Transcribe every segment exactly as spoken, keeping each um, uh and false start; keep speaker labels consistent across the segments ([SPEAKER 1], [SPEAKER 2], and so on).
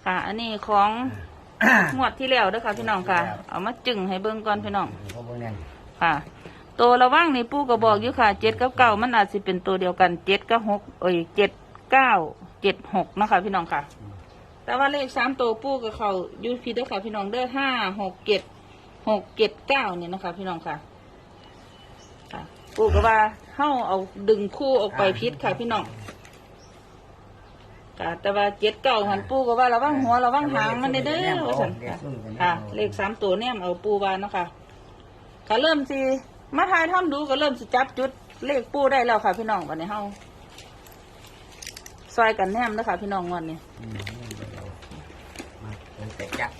[SPEAKER 1] ค่ะอันนี้ของงวดที่แล้วเด้อค่ะพี่น้องค่ะเอามาจึงให้เบิ่งก่อนพี่น้องค่ะตัวระว่างนี่ปู่ก็บอกอยู่ค่ะเจ็ดกับเก้ามันอาจจะเป็นตัวเดียวกันเจ็ดกับหกเอ้ยเจ็ดเก้าเจ็ดหกนะคะพี่น้องค่ะแต่ว่าเลขสามตัวปู่กับเขาอยู่พี่เด้อค่ะพี่น้องเด้อห้าหกเจ็ดหกเจ็ดเก้าเนี่ยนะคะพี่น้องค่ะค่ะปู่ก็ว่าเข้าเอาดึงคู่ออกไปพิษค่ะพี่น้องค่ะแต่ว่าเจ็ดเก้าหันปู่ก็ว่าระวังหัวระวังหางมันเด้อว่าซั่นค่ะค่ะเลขสามตัวเนี่ยเอาปู่ว่าเนาะค่ะก็เริ่มสิมาทายทำดูก็เริ่มสิจับจุดเลขปู่ได้แล้วค่ะพี่น้องวันนี้เฮาซอยกันแนมนะคะพี่น้องวันนี้
[SPEAKER 2] แต่จับ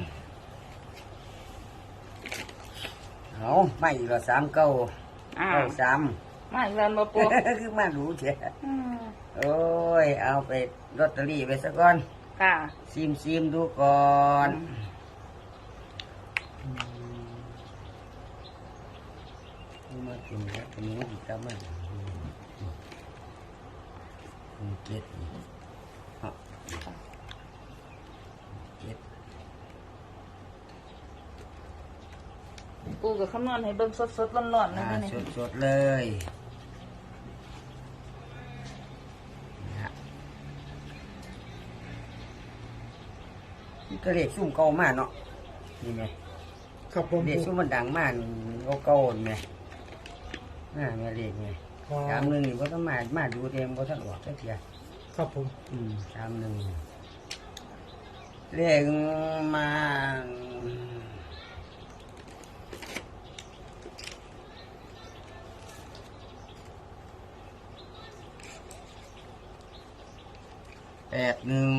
[SPEAKER 2] เอาไม่อีกละสามเก้าเก้าสาม
[SPEAKER 1] มาอีกแล้วมาปู
[SPEAKER 2] คือมาดูเถอะโอ้ยเอาไปลอตเตอรี่ไปสักก่อน
[SPEAKER 1] ค่ะ
[SPEAKER 2] ซิมซิมดูก่อนมากินแล้วเป็นยังไงกันบ้างเจ็ดเจ็ด
[SPEAKER 1] ปูกับคำนวณให้เบิ่งสดๆร้อนๆเลยนี่
[SPEAKER 2] สดๆเลยก็เรียกซุ่มเก่ามากเนาะนี่ไง
[SPEAKER 3] ครับผม
[SPEAKER 2] เรียกซุ่มมันดังมากเก่าๆไงน่าเงี้ยเรียกไงสามหนึ่งนี่ก็ต้องมามาดูเต็มก็ต้องออกสักที
[SPEAKER 3] ครับผม
[SPEAKER 2] อืมสามหนึ่งเรียกมาแปดหนึ่ง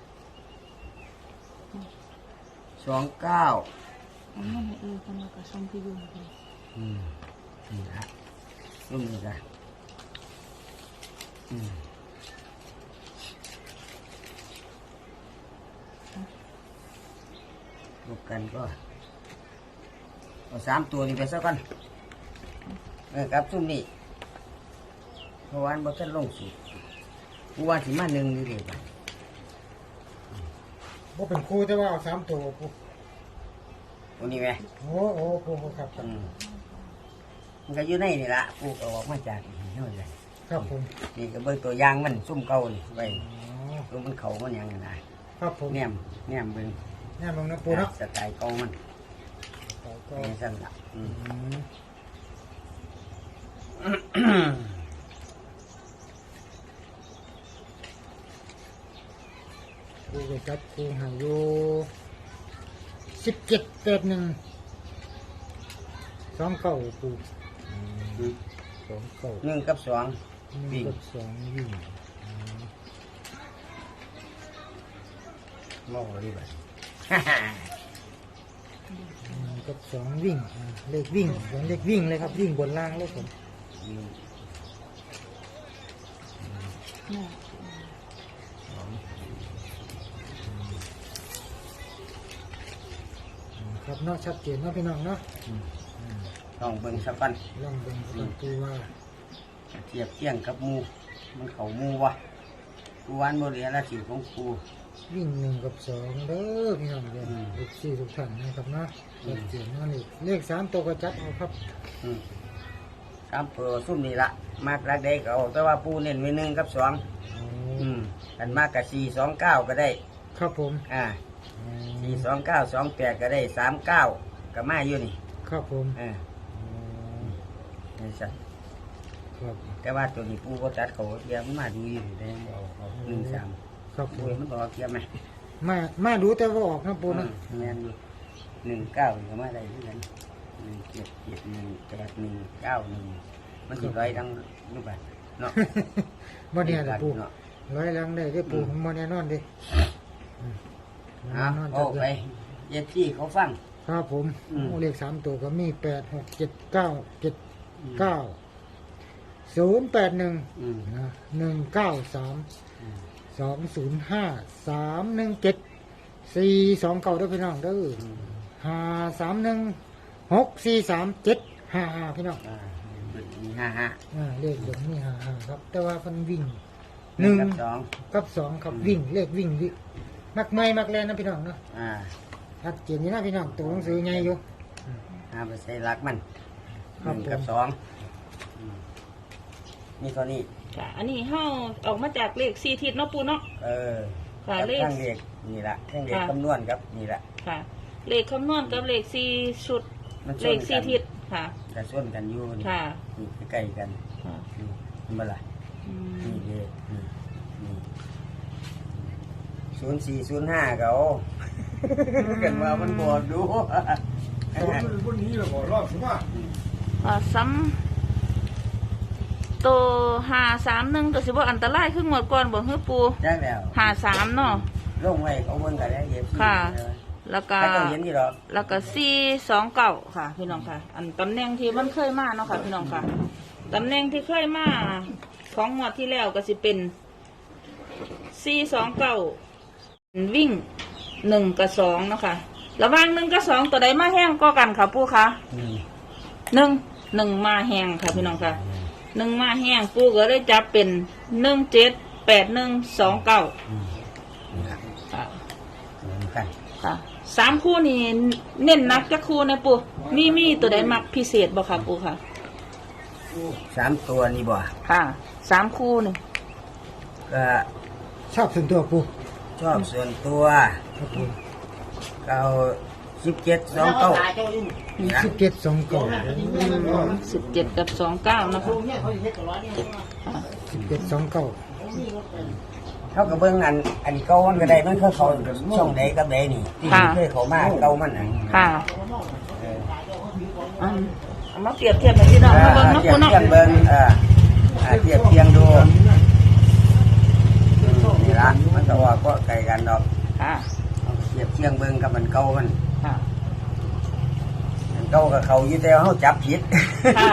[SPEAKER 2] สองเก้า
[SPEAKER 1] อันนั้นเออกันแล้วก็ส่งพี่ยุ่งไป
[SPEAKER 2] อืมนี่ละรุ่นนี้ละอืมลูกกันก็เอาสามตัวนี้ไปสักกันเออครับซุ่มนี่เมื่อวานบอท่านลงสุดเมื่อวานสิมาหนึ่งนี่เดียวกัน
[SPEAKER 3] บ่เป็นครูแต่ว่าเอาสามตัวปู
[SPEAKER 2] ตัวนี้ไหม
[SPEAKER 3] โอ้โอ้ปูครับ
[SPEAKER 2] อืมมันก็อยู่ในนี่ละปูก็ออกมาจากนี่เลย
[SPEAKER 3] ครับผม
[SPEAKER 2] นี่ก็เบิ่งตัวอยางมันซุ่มเก่านี่ไว้ตัวมันเขามันยังไง
[SPEAKER 3] ครับผม
[SPEAKER 2] แนมแนมเบิ่ง
[SPEAKER 3] แนมเบิ่งนะปูเนาะ
[SPEAKER 2] สไตล์เก่ามัน
[SPEAKER 3] ก็
[SPEAKER 2] นี่สั่นละอืม
[SPEAKER 3] ปูก็จัดครูหาอยู่สิบเจ็ดแปดหนึ่งสองเก้าปูสองเก้า
[SPEAKER 2] หนึ่งกับสอง
[SPEAKER 3] หนึ่งกับสองวิ่ง
[SPEAKER 2] มองดีแบบ
[SPEAKER 3] หนึ่งกับสองวิ่งเลขวิ่งเหมือนเลขวิ่งเลยครับวิ่งบนล่างเลยผมครับเนาะชัดเจนเนาะพี่น้องเนาะ
[SPEAKER 2] ลองเบิ่งสักปัน
[SPEAKER 3] ลองเบิ่งสักตัวว่า
[SPEAKER 2] เทียบเทียงกับมูมันเขามูวะกูวันโมเดลละสิของกู
[SPEAKER 3] วิ่งหนึ่งกับสองเด้อพี่น้องเด้อเลขสี่ทุกท่านนะครับเนาะชัดเจนเนาะนี่เลขสามตัวก็จัดเอาครับ
[SPEAKER 2] สามเปอร์ซุ่มนี่ละมากรักได้ก็เอาแต่ว่าปูเน้นไว้หนึ่งกับสองอืมกันมากกับสี่สองเก้าก็ได้
[SPEAKER 3] ครับผม
[SPEAKER 2] อ่าสี่สองเก้าสองแปดก็ได้สามเก้าก็มาอยู่นี่
[SPEAKER 3] ครับผม
[SPEAKER 2] อ่านี่สั
[SPEAKER 3] ครับ
[SPEAKER 2] แต่ว่าตัวนี้ปูก็จัดเขาเทียมมาดูอยู่ได้หนึ่งสาม
[SPEAKER 3] ครับปู
[SPEAKER 2] มันบอกเทียมไหม
[SPEAKER 3] มามาดูแต่ว่าออกนะปูนะ
[SPEAKER 2] แม่นหนึ่งเก้าก็มาได้ที่นั้นหนึ่งเจ็ดเจ็ดหนึ่งแปดหนึ่งเก้าหนึ่งมันสิร้อยทั้งรูปแบบเนาะ
[SPEAKER 3] บ่เนี่ยแหละปูร้อยลังได้ได้ปูบ่แน่นอนดิ
[SPEAKER 2] อ่าโอ้ไปเย็บที่เขาฟัง
[SPEAKER 3] ครับผมเลขสามตัวก็มีแปดหกเจ็ดเก้าเจ็ดเก้าศูนย์แปดหนึ่งนะหนึ่งเก้าสามสองศูนย์ห้าสามหนึ่งเจ็ดสี่สองเก้าด้วยพี่น้องเด้อห้าสามหนึ่งหกสี่สามเจ็ดห้าห้าพี่น้อง
[SPEAKER 2] มีห้าห้า
[SPEAKER 3] เลขเดี๋ยวนี้ห้าห้าครับแต่ว่ามันวิ่งหนึ่งกับสองกับสองครับวิ่งเลขวิ่งวิ่งมักเมยมักเล่นนะพี่น้องเนาะ
[SPEAKER 2] อ่า
[SPEAKER 3] ชัดเจนนี่นะพี่น้องตัวหนังสือใหญ่อยู่
[SPEAKER 2] หาไปใส่รักมันห
[SPEAKER 3] ครับ
[SPEAKER 2] นึ่งกับ
[SPEAKER 3] ผม
[SPEAKER 2] สองอืมนี่เท่านี้
[SPEAKER 1] ค่ะอันนี้เฮาออกมาจากเลขสี่ทิศเนาะปูเนาะ
[SPEAKER 2] เออ
[SPEAKER 1] ค่ะ
[SPEAKER 2] กับ
[SPEAKER 1] เลข
[SPEAKER 2] ทั้งเลขนี่ละทั้งเลข
[SPEAKER 1] ค่ะ
[SPEAKER 2] คำนวณครับนี่ละ
[SPEAKER 1] ค่ะ เลขคำนวณกับเลขสี่ชุด
[SPEAKER 2] มันช
[SPEAKER 1] เล
[SPEAKER 2] น
[SPEAKER 1] ข
[SPEAKER 2] กั
[SPEAKER 1] สี่
[SPEAKER 2] น
[SPEAKER 1] ทิศค่ะ
[SPEAKER 2] กระส่วนกันอยู่นี่
[SPEAKER 1] ค่ะ
[SPEAKER 2] นี่ใกล้ๆกัน
[SPEAKER 1] ค่ะ
[SPEAKER 2] นี่เห็นบ่ล่ะ
[SPEAKER 1] อืม
[SPEAKER 2] นี่เลขนี่นี่ศูนย์สี่ศูนย์ห้าเขากันมามันบอดดู
[SPEAKER 4] วันนี้เราบอกรอบสิว่า
[SPEAKER 1] อ่าซ้ำตัวห้าสามหนึ่งตัวสิบ่อันตรายขึ้นหมดก่อนบ่ฮือปู
[SPEAKER 2] ได้แล้ว
[SPEAKER 1] ห้าสามเนาะ
[SPEAKER 2] ลงไว้เขาเบิ่งกันแล้วเย็บ
[SPEAKER 1] ค่ะ แล้วก็
[SPEAKER 2] ถ้าเขาเห็นนี่หรอก
[SPEAKER 1] แล้วก็สี่สองเก้าค่ะ พี่น้องค่ะ อันตำแหน่งที่มันเคยมาเนาะค่ะ พี่น้องค่ะตำแหน่งที่เคยมาของงวดที่แล้วก็สิเป็นสี่สองเก้าวิ่งหนึ่งกับสองเนาะค่ะระหว่างหนึ่งกับสองตัวใดมาแห้งก็กันค่ะปู่ค่ะ
[SPEAKER 2] นี่
[SPEAKER 1] หนึ่งหนึ่งมาแห้งค่ะพี่น้องค่ะหนึ่งมาแห้งปู่ก็เลยจับเป็นหนึ่งเจ็ดแปดหนึ่งสองเก้า
[SPEAKER 2] อืมนี่ครับ
[SPEAKER 1] ค่ะ
[SPEAKER 2] เหมือนกัน
[SPEAKER 1] ค่ะสามคู่นี่เน้นหนักจะคู่นะปู่มีมีตัวใดมักพิเศษบ่ค่ะปู่ค่ะ
[SPEAKER 2] สามตัวนี่บ่
[SPEAKER 1] ค่ะสามคู่นี่
[SPEAKER 2] ก็
[SPEAKER 3] ชอบส่วนตัวปู
[SPEAKER 2] ชอบส่วนตัว
[SPEAKER 3] ครับผม
[SPEAKER 2] เก้าสิบเจ็ดสองเก้านี่นะ
[SPEAKER 3] สิบเจ็ดสองเก้า
[SPEAKER 1] สิบเจ็ดกับสองเก้านะคะ
[SPEAKER 3] สิบเจ็ดสองเก้า
[SPEAKER 2] เขาก็เบิ่งอันอันเก่ามันก็ได้มันคือเขาช่องใดกับใดนี่ที่เคยเขามาเก่ามันน่ะ
[SPEAKER 1] ค่ะ
[SPEAKER 2] เออ
[SPEAKER 1] อืมเอามาเปรียบเทียบกับพี่น้องมาเบิ่งเนาะ
[SPEAKER 2] เทีย
[SPEAKER 1] ปู่
[SPEAKER 2] บ
[SPEAKER 1] เนาะ
[SPEAKER 2] เทียงเบิ่งเอออ่าเทียบเทียงดูอืมนี่ละมันก็ว่าก็ไกลกันดอก
[SPEAKER 1] ค่ะ
[SPEAKER 2] เอาไปเทียบเทียงเบิ่งกับมันเก่ามัน
[SPEAKER 1] ค่ะ
[SPEAKER 2] มันเก่ากับเขาอยู่แต่ว่าเขาจับผิด
[SPEAKER 1] ค่ะ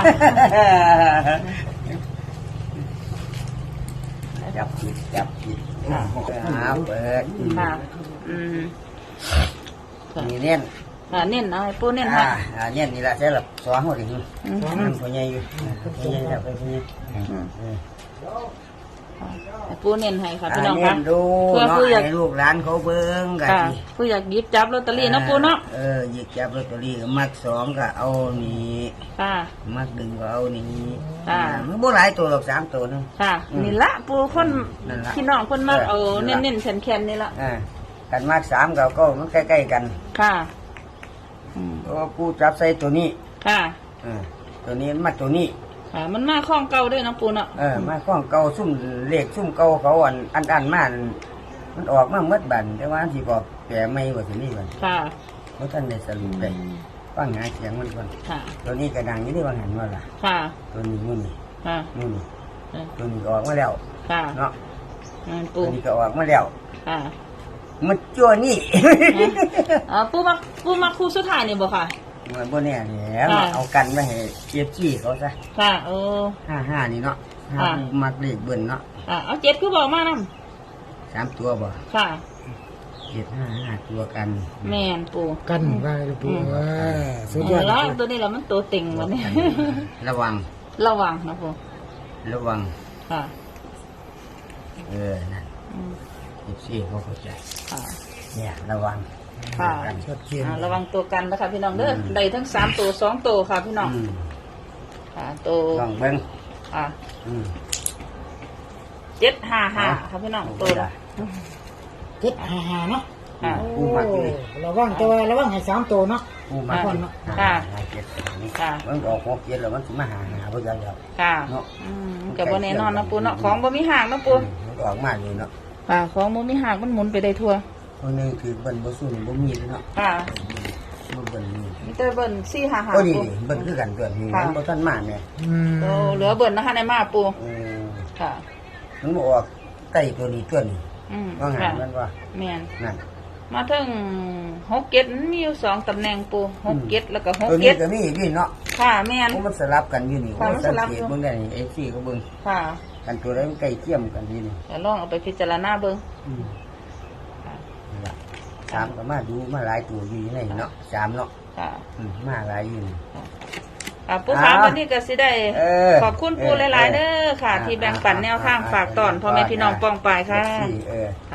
[SPEAKER 2] จับผิดจับผิด
[SPEAKER 1] ค่ะ
[SPEAKER 2] หาเปิด
[SPEAKER 1] ค่ะอืมค่ะ
[SPEAKER 2] นี่เน้น
[SPEAKER 1] อ่าเน้นเอาให้ปู่เน้น
[SPEAKER 2] อ่า
[SPEAKER 1] ให้
[SPEAKER 2] อ่าเน้นนี่ละใช่หรอสองหัวดิ
[SPEAKER 1] อืม
[SPEAKER 2] นั่นพ่อใหญ่อยู่พ่อใหญ่จับไปพ่อใหญ่
[SPEAKER 1] อืม
[SPEAKER 2] เออ
[SPEAKER 1] ให้ปู่เน้นให้ค่ะพี่
[SPEAKER 2] อ่า
[SPEAKER 1] น้อง
[SPEAKER 2] เน้
[SPEAKER 1] ค่ะ
[SPEAKER 2] นดู
[SPEAKER 1] เพื่อ
[SPEAKER 2] เนาะ
[SPEAKER 1] ผู้อยาก
[SPEAKER 2] ให้ลูกหลานเขาเบิ่งกัน
[SPEAKER 1] ค่ะผู้อยากหยิบจับลอตเตอรี่เนาะปู่เนาะ
[SPEAKER 2] เออหยิบจับลอตเตอรี่ก็มักสองก็เอานี่
[SPEAKER 1] ค่ะ
[SPEAKER 2] มักดึงก็เอานี่
[SPEAKER 1] ค่ะ
[SPEAKER 2] มันบ่หลายตัวหรอกสามตัวนึง
[SPEAKER 1] ค่ะ
[SPEAKER 2] อืม
[SPEAKER 1] นี่ละปู่คน
[SPEAKER 2] นั่นละ
[SPEAKER 1] พี่น้องคนมาก
[SPEAKER 2] เอ
[SPEAKER 1] เอา
[SPEAKER 2] อนั่
[SPEAKER 1] เน้
[SPEAKER 2] น
[SPEAKER 1] น
[SPEAKER 2] ละ
[SPEAKER 1] เน้นๆแข็งๆนี่ละ
[SPEAKER 2] อ่ากันมักสามก็ก็มันใกล้ๆกัน
[SPEAKER 1] ค่ะอืม
[SPEAKER 2] เพราะว่ากูจับใส่ตัวนี้
[SPEAKER 1] ค่ะ
[SPEAKER 2] เออตัวนี้มันมาตัวนี้
[SPEAKER 1] ค่ะ มันมาคล้องเก่าด้วยเนาะปู่เนาะ
[SPEAKER 2] เออมาข้องเก่าซุ่มเลขซุ่มเก่าเขาอันอันอันมาอันมันออกมาเมื่อบันแต่ว่าที่บอกแปลไม่ว่าสินี่บัน
[SPEAKER 1] ค่ะ
[SPEAKER 2] เพราะท่านได้สรุปได้ฟังหาเสียงมันก่อน
[SPEAKER 1] ค่ะ
[SPEAKER 2] ตัวนี้กระดังอยี่ได้วางหันว่าล่ะ
[SPEAKER 1] ค่ะ
[SPEAKER 2] ตัวนี้นู่นนี่
[SPEAKER 1] ค่ะ
[SPEAKER 2] นู่นนี่
[SPEAKER 1] เออ
[SPEAKER 2] ตัวนี้ก็ออกมาแล้ว
[SPEAKER 1] ค่ะ
[SPEAKER 2] เนาะ
[SPEAKER 1] อืม
[SPEAKER 2] ตั
[SPEAKER 1] ปู่
[SPEAKER 2] วนี้ก็ออกมาแล้ว
[SPEAKER 1] ค่ะ
[SPEAKER 2] มันจั่วนี่
[SPEAKER 1] อ่าปู่มาปู่มาคู่สุดท้ายนี่บ่ค่ะ
[SPEAKER 2] มันบ่แน่แหล้ว
[SPEAKER 1] ค่ะ
[SPEAKER 2] เอากันมาให้เจี๊ยบจี้เขาซะ
[SPEAKER 1] ค่ะเออ
[SPEAKER 2] ห้าห้านี่เนาะห้า
[SPEAKER 1] ค่ะ
[SPEAKER 2] มักเลขเบิ่นเนาะ
[SPEAKER 1] อ่าเอาเจ็ดคือบอกมานํ
[SPEAKER 2] สามตัวบ่
[SPEAKER 1] ค่ะ
[SPEAKER 2] เจ็ดห้าห้าตัวกัน
[SPEAKER 1] แม่นปู่
[SPEAKER 3] กันไว้เลยปูเออสุดย
[SPEAKER 1] เอ
[SPEAKER 3] อ
[SPEAKER 1] อ
[SPEAKER 3] ด
[SPEAKER 1] แล้ว
[SPEAKER 3] เลย
[SPEAKER 1] ตัวนี้แหละมันตัวเต็งวันนี้
[SPEAKER 2] ระวัง
[SPEAKER 1] ระวังนะปู่
[SPEAKER 2] ระวัง
[SPEAKER 1] ค่ะ
[SPEAKER 2] เออนั่น
[SPEAKER 1] อืม
[SPEAKER 2] เจี๊ยบจี้เขาเข้าใจ
[SPEAKER 1] ค่ะ
[SPEAKER 2] เนี่ยระวัง
[SPEAKER 1] ค่ะ
[SPEAKER 2] กัน
[SPEAKER 3] ชัดเจน
[SPEAKER 1] อ่าระวังตัวกันนะคะพี่น้องเด้อ
[SPEAKER 2] อืม
[SPEAKER 1] ได้ทั้งสามตัวสองตัวค่ะพี่น้อง
[SPEAKER 2] อืม
[SPEAKER 1] ค่ะตัว
[SPEAKER 2] ลองเบิ่ง
[SPEAKER 1] อ่า
[SPEAKER 2] อืม
[SPEAKER 1] เจ็ดห้าห้าค่ะพี่น้องตัวละ
[SPEAKER 3] เจ็ดห้าห้าเนาะ
[SPEAKER 1] ค่ะ
[SPEAKER 2] กูมักเลย
[SPEAKER 3] ระวังแต่ว่าระวังให้สามตัวเนาะ
[SPEAKER 2] กูมัก
[SPEAKER 1] ค่ะ
[SPEAKER 2] เลย
[SPEAKER 1] ค่ะ
[SPEAKER 2] หาเจ็ดนี่
[SPEAKER 1] ค่ะ
[SPEAKER 2] มันออกหกเจ็ดแล้วมันสิมาหาหาบ่ยังแล้ว
[SPEAKER 1] ค่ะ
[SPEAKER 2] เนาะ
[SPEAKER 1] อืมกับบ่แน่นอนนะปูเนาะของบ่มีห่างนะปู
[SPEAKER 2] มันก็ออกมาอยู่เนาะ
[SPEAKER 1] ค่ะของบ่มีห่างมันหมุนไปได้ทั่ว
[SPEAKER 2] คนหนึงคือเบิ่นบ่สู้บ่มีเลยเนาะ
[SPEAKER 1] ค่ะ
[SPEAKER 2] บ่เบิ่นนี่
[SPEAKER 1] มีแต่เบิ่นสี่ห้าห้า
[SPEAKER 2] ก็ดี
[SPEAKER 1] ปู
[SPEAKER 2] เบิ่นคือกันตัวนี้
[SPEAKER 1] ค่ะ
[SPEAKER 2] มันบ่ทันมาแม่
[SPEAKER 3] อืม
[SPEAKER 1] โตเหลือเบิ่นนะคะในมาปู
[SPEAKER 2] เออ
[SPEAKER 1] ค่ะ
[SPEAKER 2] มันบ่ออกใต้ตัวนี้ตัวนี้
[SPEAKER 1] อืม
[SPEAKER 2] ว่าไง
[SPEAKER 1] ค่ะ
[SPEAKER 2] มันว่า
[SPEAKER 1] แม่น
[SPEAKER 2] นั่น
[SPEAKER 1] มาถึงหกเจ็ดมันมีอยู่สองตำแหน่งปูหกเจ็ดแล้วก็หก
[SPEAKER 2] ตัวนี้
[SPEAKER 1] เจ็ด
[SPEAKER 2] ก็มีอีกนี่เนาะ
[SPEAKER 1] ค่ะแม่น
[SPEAKER 2] โอ้มันสลับกันอยู่นี่
[SPEAKER 1] ค่ะ
[SPEAKER 2] โอ้
[SPEAKER 1] มันส
[SPEAKER 2] สัง
[SPEAKER 1] ลับ
[SPEAKER 2] เก
[SPEAKER 1] อยู่
[SPEAKER 2] ตเบิ่งได้นี่ เอฟ ซี ก็เบิ่ง
[SPEAKER 1] ค่ะ
[SPEAKER 2] กันตัวใดมันใกล้เทียมกันอยู่นี่
[SPEAKER 1] แต่ลองเอาไปพิจารณาเบิ่ง
[SPEAKER 2] อืม
[SPEAKER 1] ค่ะ
[SPEAKER 2] นี่ล่ะสามก็มาดูมาหลายตัวอยู่ในนี่เนาะสามเนาะ
[SPEAKER 1] ค่ะ
[SPEAKER 2] อืมมาหลายอยู่นี่
[SPEAKER 1] ค่ะปูขาวันนี้ก็สิได้
[SPEAKER 2] เออ
[SPEAKER 1] ขอบคุณปูหลายๆเด้อค่ะ
[SPEAKER 2] เออ
[SPEAKER 1] ที่แบ่งปันแนวทาง
[SPEAKER 2] อ่า
[SPEAKER 1] ฝากตอนพ่อแม่พี่น้องป้องปายค่ะ
[SPEAKER 2] เอฟซีเออ
[SPEAKER 1] ค่ะ
[SPEAKER 2] อ่า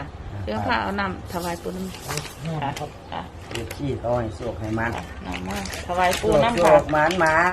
[SPEAKER 1] เดี๋ยวค่ะเอาน้ำถวายปูน้ำ
[SPEAKER 3] เอา
[SPEAKER 1] ค่ะ
[SPEAKER 3] ครับ
[SPEAKER 1] ค่ะ
[SPEAKER 2] เด็กขี้เขาให้โศกให้มัน
[SPEAKER 1] น้ำมาถวายปู
[SPEAKER 2] โศก
[SPEAKER 1] น้ำ
[SPEAKER 2] โศ
[SPEAKER 1] ค่ะ
[SPEAKER 2] กหมันหมา